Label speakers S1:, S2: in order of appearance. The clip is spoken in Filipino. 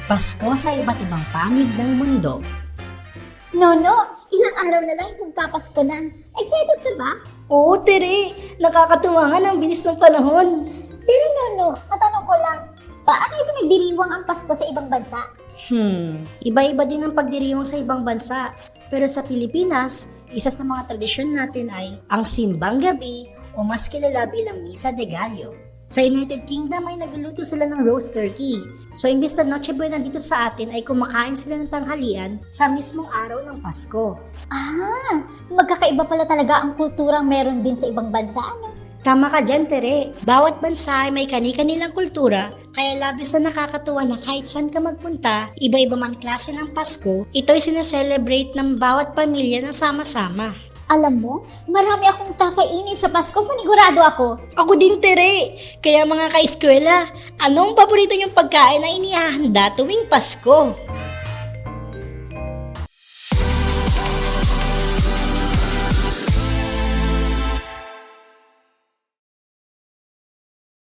S1: Pasko sa iba't ibang panig ng mundo.
S2: Nono, ilang araw na lang magpapasko na. Excited ka ba?
S3: Oo, Tere. Nakakatuwa nga ng bilis ng panahon.
S2: Pero Nono, matanong ko lang, paano ipinagdiriwang ang Pasko sa ibang bansa?
S3: Iba-iba din ang pagdiriwang sa ibang bansa. Pero sa Pilipinas, isa sa mga tradisyon natin ay ang simbang gabi o mas kilala bilang Misa de Gallo. Sa United Kingdom ay nagluluto sila ng roast turkey. So imbis na Noche Buena dito sa atin ay kumakain sila ng tanghalian sa mismong araw ng Pasko.
S2: Ah, magkakaiba pala talaga ang kulturang meron din sa ibang bansa, ano?
S3: Tama ka dyan, Tere. Bawat bansa ay may kani-kanilang kultura, kaya labis na nakakatuwa na kahit saan ka magpunta, iba-iba man klase ng Pasko, ito'y sinaselebrate ng bawat pamilya na sama-sama.
S2: Alam mo, marami akong kakainin sa Pasko, panigurado ako.
S3: Ako din, Tere. Kaya mga ka-eskwela, anong paborito niyong pagkain na inihahanda tuwing Pasko?